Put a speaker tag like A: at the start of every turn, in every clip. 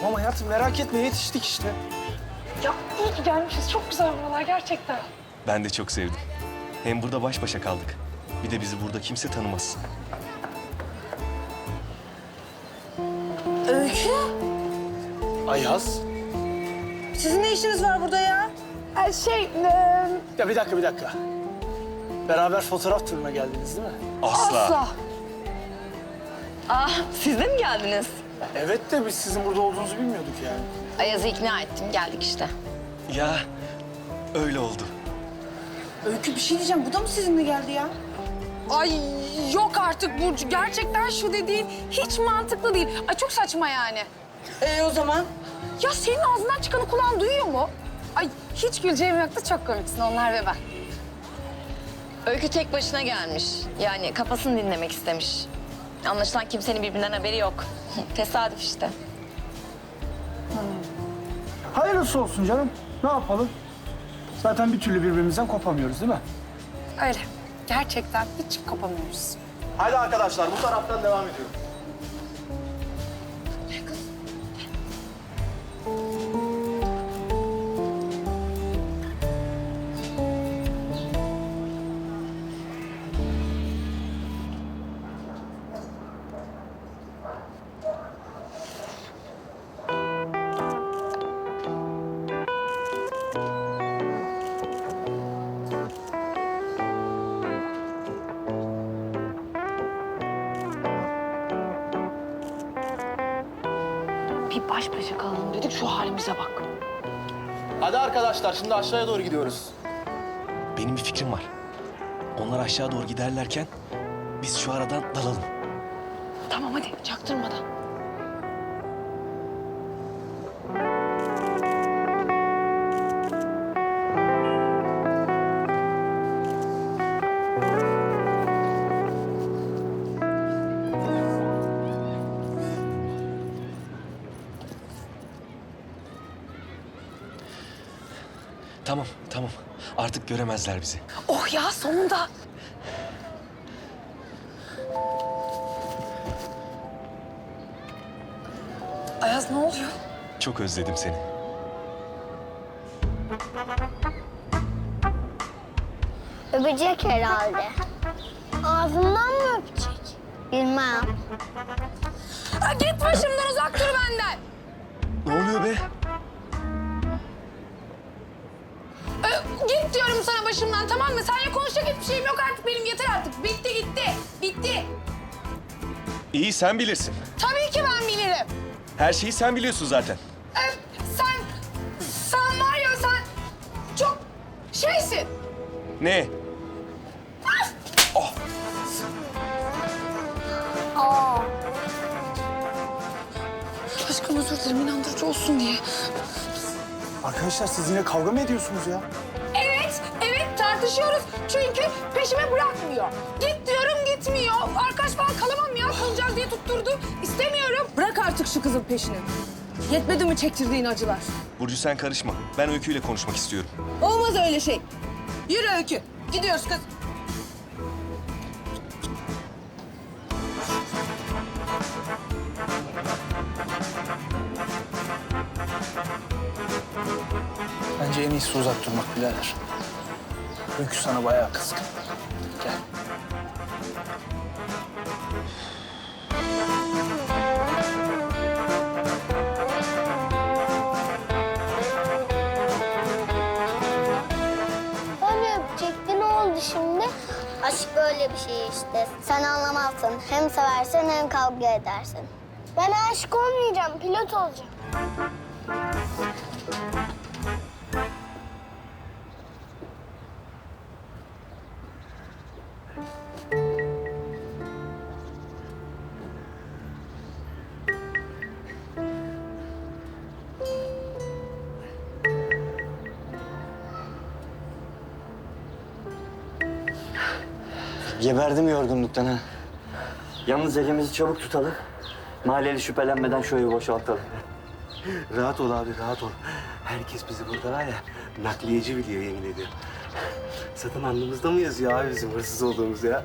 A: Tamam hayatım merak etme yetiştik işte.
B: Ya iyi ki gelmişiz. Çok güzel buralar gerçekten.
C: Ben de çok sevdim. Hem burada baş başa kaldık. Bir de bizi burada kimse tanımaz.
D: Öykü,
A: Ayaz.
D: sizin ne işiniz var burada ya?
A: Ya bir dakika. Beraber fotoğraf turuna geldiniz değil mi?
C: Asla.
E: Siz de mi geldiniz?
A: Evet de biz sizin burada olduğunuzu bilmiyorduk yani.
E: Ayaz'ı ikna ettim, geldik işte.
C: Ya öyle oldu.
D: Öykü bir şey diyeceğim, bu da mı sizinle geldi ya?
B: Ay yok artık Burcu. Gerçekten şu dediğin hiç mantıklı değil. Ay çok saçma yani.
D: O zaman?
B: Ya senin ağzından çıkanı kulağın duyuyor mu? Ay hiç güleceğim yoktu. Çok komiksin onlar ve ben.
E: Öykü tek başına gelmiş. Yani kafasını dinlemek istemiş. Anlaşılan kimsenin birbirinden haberi yok. Tesadüf işte.
A: Hayırlısı olsun canım. Ne yapalım? Zaten bir türlü birbirimizden kopamıyoruz değil mi?
B: Öyle. Gerçekten hiç kopamıyoruz.
A: Hadi arkadaşlar bu taraftan devam ediyoruz.
B: Bir baş başa kalalım dedik. Şu halimize bak.
A: Hadi arkadaşlar şimdi aşağıya doğru gidiyoruz.
C: Benim bir fikrim var. Onlar aşağı doğru giderlerken biz şu aradan dalalım.
B: Tamam hadi çaktırmadan.
C: Tamam. Artık göremezler bizi.
B: Oh ya sonunda. Ayaz ne oluyor?
C: Çok özledim seni.
F: Öpecek herhalde. Ağzından mı öpecek? Bilmem.
B: Ha, git başımdan uzak dur benden.
C: Ne oluyor be?
B: Git diyorum sana başımdan tamam mı? Seninle konuşacak hiçbir şeyim yok artık benim. Yeter artık. Bitti gitti. Bitti.
C: İyi, sen bilirsin.
B: Tabii ki ben bilirim.
C: Her şeyi sen biliyorsun zaten.
B: Sen var ya sen çok şeysin.
C: Ne?
B: Aşkım özür dilerim inandırıcı olsun diye.
A: Arkadaşlar siz yine kavga mı ediyorsunuz ya?
B: Evet tartışıyoruz. Çünkü peşime bırakmıyor. Git diyorum gitmiyor. Arkadaş falan kalamam ya kalacağız diye tutturdu. İstemiyorum.
D: Bırak artık şu kızın peşini. Yetmedi mi çektirdiğin acılar?
C: Burcu sen karışma. Ben Öykü ile konuşmak istiyorum.
D: Olmaz öyle şey. Yürü Öykü, gidiyoruz kız.
A: Bence en iyisi uzak durmak birader. Öykü sana bayağı kızgın. Gel.
F: Öyle öpecekti ne oldu şimdi? Aşk böyle bir şey işte. Sen anlamazsın. Hem seversin hem kavga edersin. Ben aşık olmayacağım, pilot olacağım.
G: Geberdim yorgunluktan ha. Yalnız elimizi çabuk tutalım. Mahalleli şüphelenmeden şu evi boşaltalım. Rahat ol abi, rahat ol. Herkes bizi burada var ya, nakliyeci biliyor yemin ediyorum. Zaten alnımızda mı yazıyor abi bizim hırsız olduğumuz ya?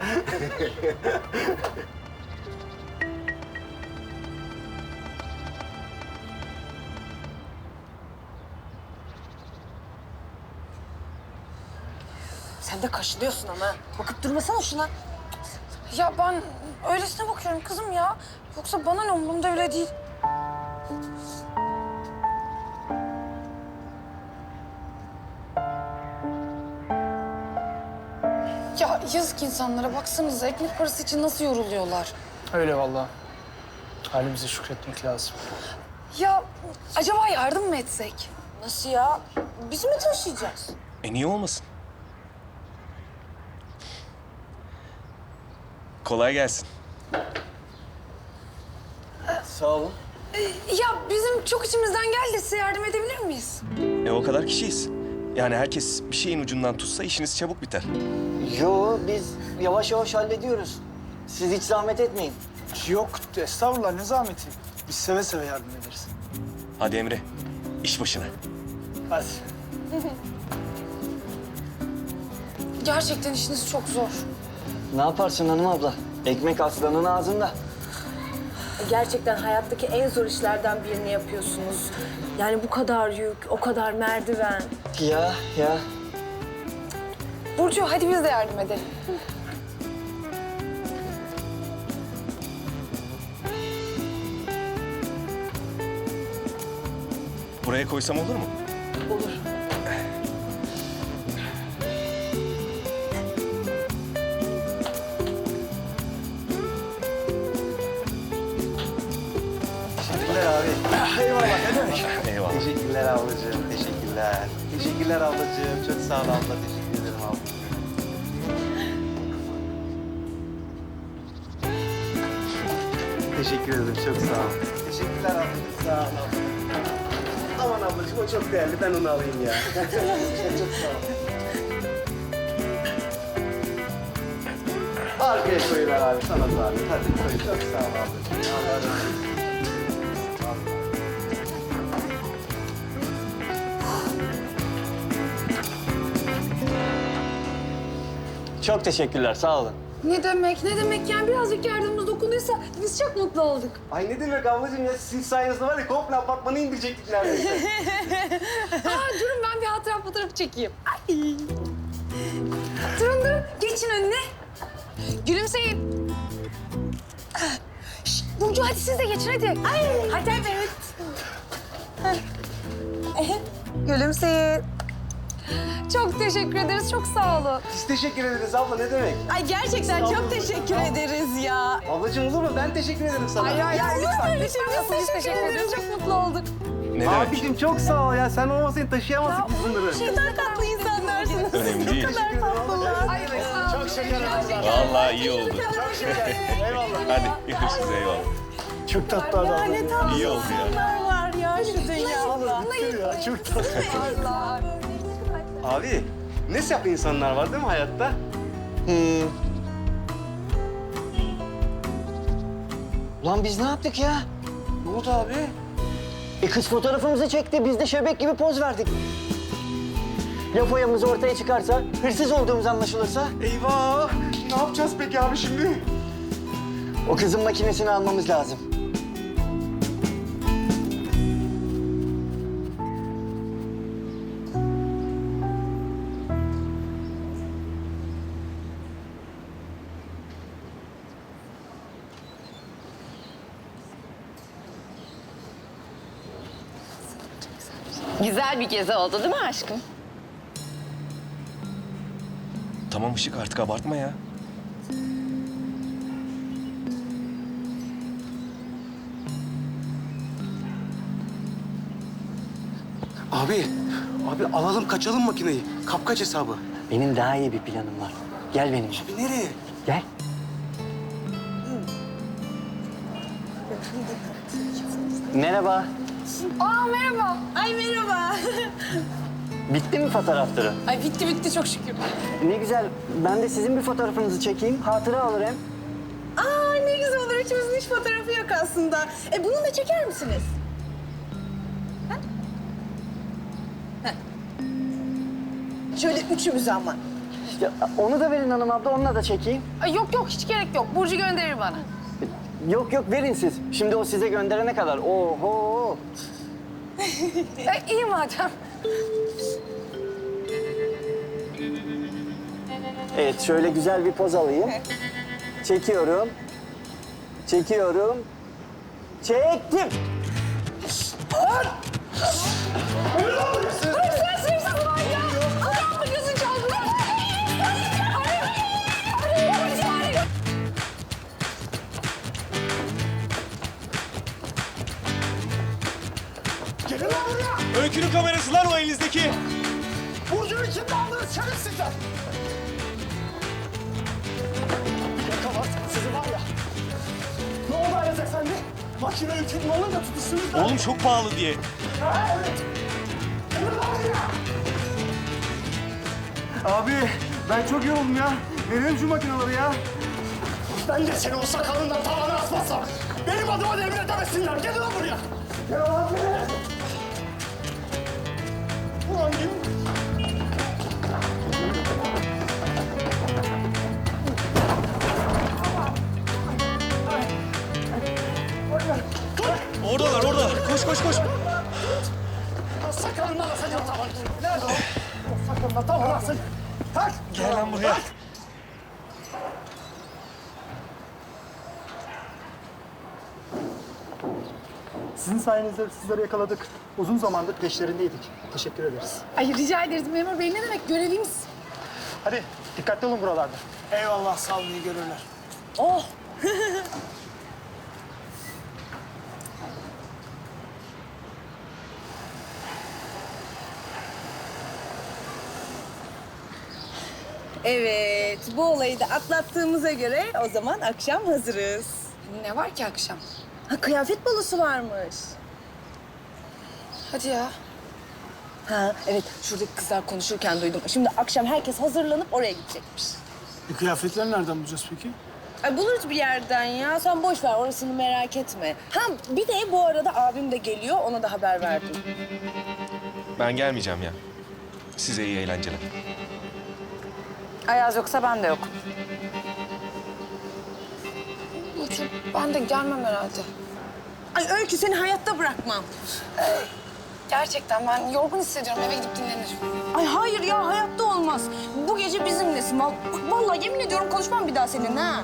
D: Sen de kaşınıyorsun ama. Bakıp durmasana şuna.
B: Ya ben öylesine bakıyorum kızım ya. Yoksa bana ne, umurumda öyle değil. Ya yazık insanlara, baksanıza ekmek parası için nasıl yoruluyorlar.
A: Öyle vallahi. Halimize şükretmek lazım.
B: Ya acaba yardım mı etsek?
D: Nasıl ya? Biz mi taşıyacağız?
C: Niye olmasın? Kolay gelsin.
G: Sağ olun.
B: Ya bizim çok içimizden geldi, size yardım edebilir miyiz?
C: O kadar kişiyiz. Yani herkes bir şeyin ucundan tutsa işiniz çabuk biter.
G: Yo, biz yavaş yavaş hallediyoruz. Siz hiç zahmet etmeyin.
A: Yok estağfurullah, ne zahmeti. Biz seve seve yardım ederiz.
C: Hadi Emre, iş başına.
A: Hadi.
B: Gerçekten işiniz çok zor.
G: Ne yaparsın hanım abla? Ekmek aslanın ağzında.
D: Gerçekten hayattaki en zor işlerden birini yapıyorsunuz. Yani bu kadar yük, o kadar merdiven.
G: Ya.
B: Burcu hadi biz de yardım edelim.
C: Buraya koysam olur mu?
D: Olur.
H: Teşekkürler abi. Eyvallah, ne demek?
C: Eyvallah.
H: Teşekkürler ablacığım, teşekkürler. Teşekkürler ablacığım, çok sağ ol abla. Teşekkür ederim ablacığım. Teşekkür ederim, çok sağ ol. Teşekkürler ablacığım, sağ ol abla. Aman ablacığım, o çok değerli, ben onu alayım ya. Çok sağ ol. Arkaya koyuver abi, sana zahmet. Hadi koy, çok sağ ol ablacığım. Allah razı olsun.
G: Çok teşekkürler, sağ olun.
B: Ne demek, ne demek yani birazcık yardımımız dokunduysa biz çok mutlu olduk.
H: Ay ne demek ablacığım ya, sizin sayenizde var ya komple apartmanı indirecektik neredeyse.
B: Aa, durun ben bir hatıra fotoğrafı çekeyim. Ay. Durun, geçin önüne. Gülümseyin. Şşt, Burcu hadi siz de geçin hadi. Ay. Hadi evet. Gülümseyin. Çok teşekkür ederiz, çok sağ olun.
H: Biz teşekkür ederiz abla, ne demek?
D: Ay gerçekten çok teşekkür ederiz ya.
H: Ablacığım olur mu? Ben teşekkür ederim sana.
B: Ya lütfen, biz teşekkür ederiz. Çok mutlu olduk.
C: Ne demek?
H: Abicim çok sağ ol ya. Sen olmasaydın taşıyamazdık biz bunları.
D: Ne kadar tatlı insanlarsınız.
C: Önemli değil.
B: Ay, sağ olun.
H: Çok şeker adamlar.
C: Vallahi iyi oldu.
H: Çok şeker. Eyvallah.
C: Hadi görüşürüz, eyvallah.
A: Çok tatlı adam.
D: Ne tatlı
C: İyi oldu ya.
D: insanlar var ya şu dünyada.
H: Ya, çok tatlı.
B: Allah.
H: Abi ne saf insanlar var değil mi hayatta?
G: Ulan biz ne yaptık ya?
H: Ne oldu abi?
G: Kız fotoğrafımızı çekti, biz de şebek gibi poz verdik. Ya foyamız ortaya çıkarsa, hırsız olduğumuz anlaşılırsa?
H: Eyvah! Ne yapacağız peki abi şimdi?
G: O kızın makinesini almamız lazım.
E: Güzel bir gezi oldu değil mi aşkım?
C: Tamam Işık, artık abartma ya.
H: Abi alalım kaçalım makineyi. Kapkaç hesabı.
G: Benim daha iyi bir planım var. Gel benimle.
H: Abi nereye?
G: Gel. Merhaba.
B: Aa merhaba.
D: Ay merhaba.
G: Bitti mi fotoğrafları?
B: Ay bitti çok şükür.
G: Ne güzel. Ben de sizin bir fotoğrafınızı çekeyim. Hatıra alır hem.
D: Aa ne güzel olur. Üçümüzün hiç fotoğrafı yok aslında. Bunu da çeker misiniz? Ha? Ha. Şöyle üçümüz ama.
G: Ya, onu da verin hanım abla. Onunla da çekeyim.
B: Ay, yok hiç gerek yok. Burcu gönderir bana.
G: Yok verin siz. Şimdi o size gönderene kadar. Oho.
B: İyi madem.
G: Evet, şöyle güzel bir poz alayım. Çekiyorum. Çekiyorum. Çektim.
C: Öykünün kamerası lan o elinizdeki.
H: Burcu'yu kimle aldınız şerefsizler? Yakalarsan sizi var ya. Ne oldu Ayaz Efendi? Makine Öykü'nün olunca tutuştunuz da.
C: Oğlum çok pahalı diye.
H: Ha, evet. Gelin lan buraya. Abi ben çok yoruldum ya. Verelim şu makineleri ya. Ben de seni o sakalından tavana asmazsam benim adıma devir edemesinler. Gelin lan buraya. Gel lan buraya. Ulan gelin.
C: Oradalar orada. Koş koş koş.
H: Sakalından asacağım tavanı. Nerede o? O sakalından tavana asın. Tak.
C: Gel lan buraya.
H: Tak. Sizin sayenizde hırsızları yakaladık. Uzun zamandır peşlerindeydik. Teşekkür ederiz.
B: Ay rica ederiz memur bey, ne demek, görevimiz.
H: Hadi dikkatli olun buralarda. Eyvallah, sağ olun, iyi görürler.
B: Oh.
D: Evet, bu olayı da atlattığımıza göre o zaman akşam hazırız.
B: Ne var ki akşam?
D: Ha, kıyafet balosu varmış.
B: Hadi ya.
D: Ha, evet, şuradaki kızlar konuşurken duydum. Şimdi akşam herkes hazırlanıp oraya gidecekmiş.
A: Kıyafetleri nereden bulacağız peki?
D: Ay buluruz bir yerden ya. Sen boş ver, orasını merak etme. Ha, bir de bu arada abim de geliyor, ona da haber verdim.
C: Ben gelmeyeceğim ya. Size iyi eğlenceler.
E: Ayaz yoksa ben de yok.
B: Burcu, ben de gelmem herhalde.
D: Ay Öykü, seni hayatta bırakmam.
B: Gerçekten ben yorgun hissediyorum, eve gidip dinlenirim.
D: Ay hayır ya, hayatta olmaz. Bu gece bizimlesin. Vallahi yemin ediyorum konuşmam bir daha seninle ha.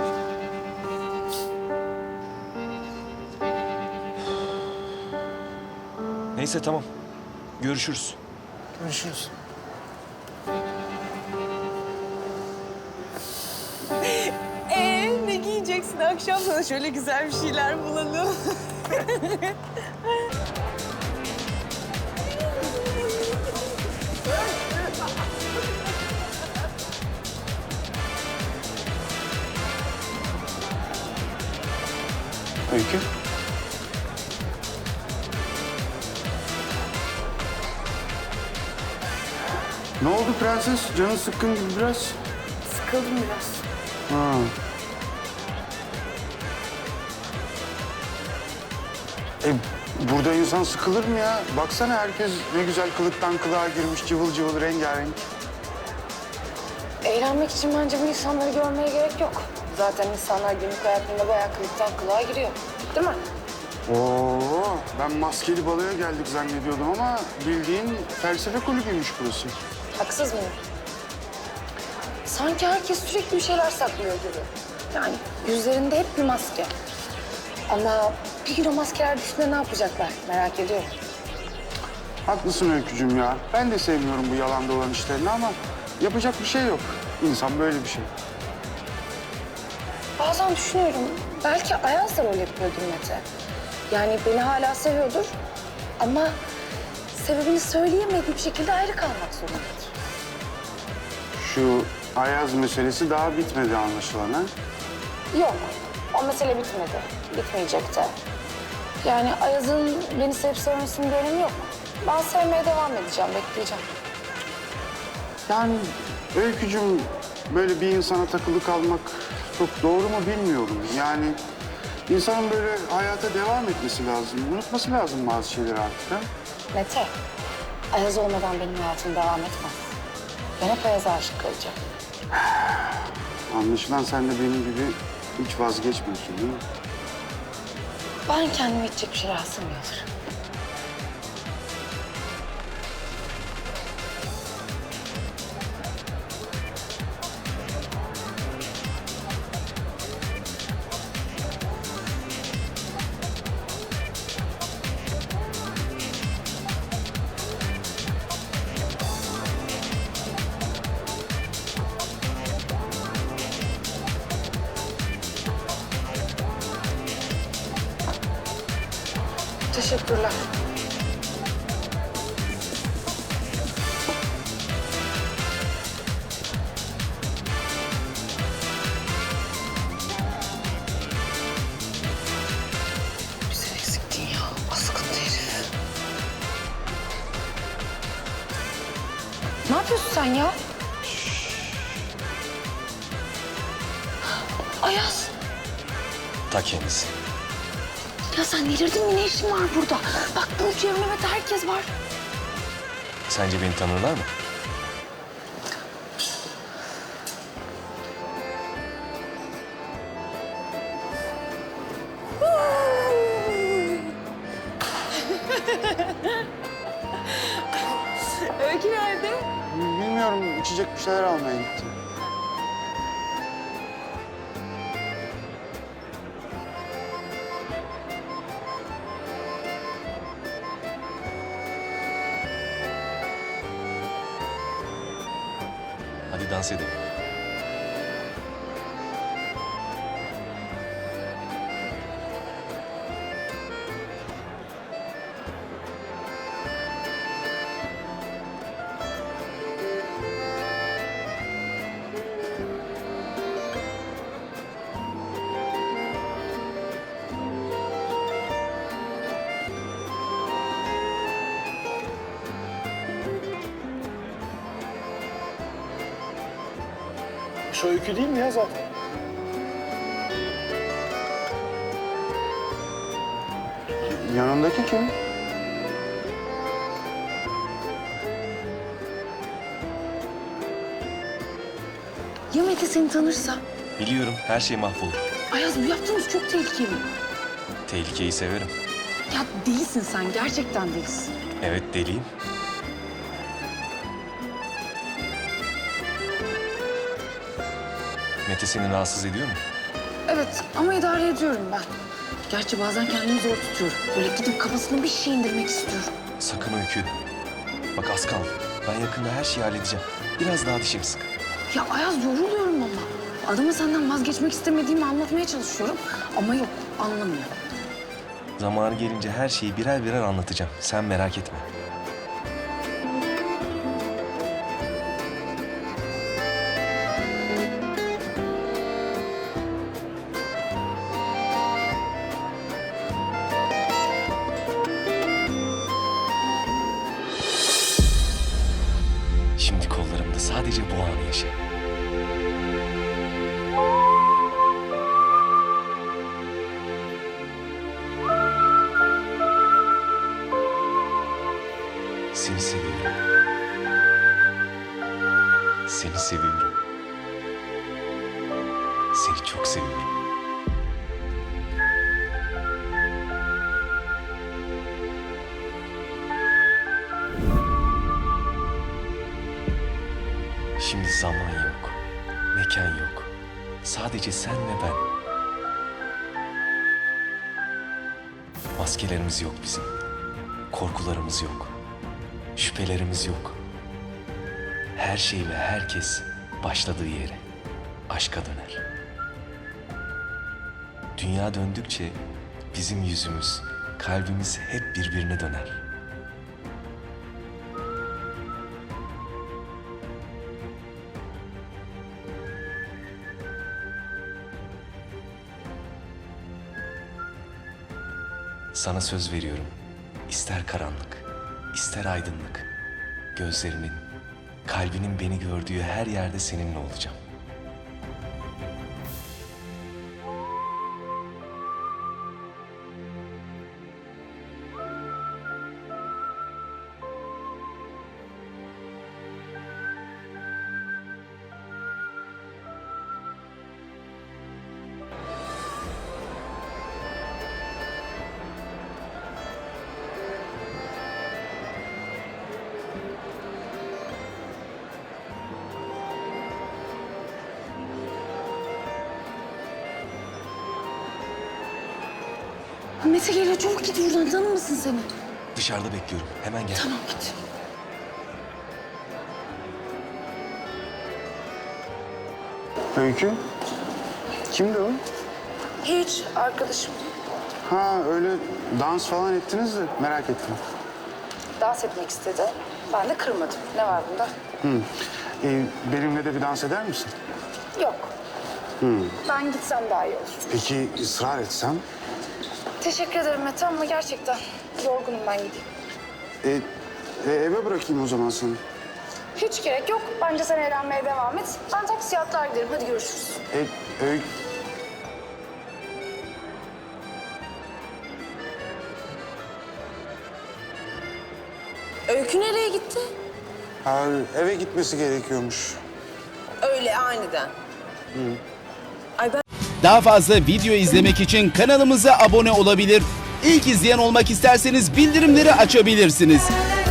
C: Neyse tamam. Görüşürüz.
A: Görüşürüz.
D: Ne giyeceksin akşam, sana şöyle güzel bir şeyler bulalım.
A: Öykü.
I: Ne oldu prenses? Canın sıkkın gibi biraz.
B: Sıkıldım biraz.
I: Ha. Burada insan sıkılır mı ya? Baksana herkes ne güzel kılıktan kılığa girmiş, cıvıl cıvıl, rengarenk.
B: Eğlenmek için bence bu insanları görmeye gerek yok. Zaten insanlar günlük hayatında bayağı kılıktan kılığa giriyor. Değil mi?
I: Oo, ben maskeli baloya geldik zannediyordum ama bildiğin felsefe kulübüymüş burası.
B: Haksız mıyım? Sanki herkes sürekli bir şeyler saklıyor gibi. Yani yüzlerinde hep bir maske. Ama bir gün o maskeler düşünce ne yapacaklar merak ediyorum.
I: Haklısın Öykücüğüm ya. Ben de sevmiyorum bu yalan dolan işlerini ama yapacak bir şey yok. İnsan böyle bir şey.
B: Bazen düşünüyorum, belki Ayaz da rol yapıyordur Mete. Yani beni hala seviyordur ama sebebini söyleyemediği bir şekilde ayrı kalmak zorundadır.
I: Şu Ayaz meselesi daha bitmedi anlaşılan ha.
B: Yok, o mesele bitmedi. Bitmeyecek de. Yani Ayaz'ın beni sevip sevmesinin bir önemi yok. Ben sevmeye devam edeceğim, bekleyeceğim.
I: Yani Öykücüğüm böyle bir insana takılı kalmak çok doğru mu bilmiyorum. Yani insanın böyle hayata devam etmesi lazım. Unutması lazım bazı şeyleri artık ha.
B: Mete, Ayaz olmadan benim hayatım devam etmez. Ben hep Ayaz'a aşık kalacağım.
I: Anlaşılan sen de benim gibi hiç vazgeçmiyorsun değil mi?
B: Ben kendime içecek bir şeyler sığmıyordur. Teşekkürler. Bize eksiktin ya. Askıntı herif. Ne yapıyorsun sen ya? Ayaz.
C: Ta kendisi.
B: Ya sen delirdin mi? Ne işin var burada? Bak Burcu, Mehmet, herkes var.
C: Sence beni tanırlar mı?
D: Öykü nerede?
I: Bilmiyorum, içecek bir şeyler almaya gitti.
C: Hadi dans edelim.
A: Şu öykü değil mi ya zaten?
I: Yanındaki kim?
B: Ya Mete seni tanırsa?
C: Biliyorum her şey mahvolur.
B: Ayaz, bu yaptığınız çok tehlikeli.
C: Tehlikeyi severim.
B: Ya delisin sen, gerçekten delisin.
C: Evet deliyim. Mete seni rahatsız ediyor mu?
B: Evet ama idare ediyorum ben. Gerçi bazen kendimi zor tutuyorum. Böyle gidip kafasına bir şey indirmek istiyorum.
C: Sakın Öykü. Bak az kaldı. Ben yakında her şeyi halledeceğim. Biraz daha dişimi sık.
B: Ya Ayaz, yoruluyorum ama. Adama senden vazgeçmek istemediğimi anlatmaya çalışıyorum. Ama yok, anlamıyor.
C: Zamanı gelince her şeyi birer birer anlatacağım. Sen merak etme. Şimdi kollarımda sadece bu anı yaşa. Seni seviyorum. Seni seviyorum. Seni çok seviyorum. Şimdi zaman yok, mekan yok. Sadece sen ve ben. Maskelerimiz yok bizim. Korkularımız yok. Şüphelerimiz yok. Her şey ve herkes başladığı yere, aşka döner. Dünya döndükçe bizim yüzümüz, kalbimiz hep birbirine döner. Sana söz veriyorum. İster karanlık, ister aydınlık. Gözlerinin, kalbinin beni gördüğü her yerde seninle olacağım.
B: Mete geliyor, çabuk git buradan, tanımasın seni.
C: Dışarıda bekliyorum. Hemen gel.
B: Tamam, git.
I: Öykü? Kimdi o?
B: Hiç, arkadaşım.
I: Ha öyle dans falan ettiniz de merak ettim.
B: Dans etmek istedi. Ben de kırmadım. Ne var bunda?
I: Benimle de bir dans eder misin?
B: Yok. Ben gitsem daha iyi olur.
I: Peki ısrar etsem?
B: Teşekkür ederim Mete ama gerçekten yorgunum, ben gideyim.
I: Eve bırakayım o zaman seni.
B: Hiç gerek yok. Bence sen eğlenmeye devam et. Ben taksiye atlar giderim. Hadi görüşürüz.
D: Öykü nereye gitti?
I: Eve gitmesi gerekiyormuş.
D: Öyle aniden.
J: Daha fazla video izlemek için kanalımıza abone olabilir. İlk izleyen olmak isterseniz bildirimleri açabilirsiniz.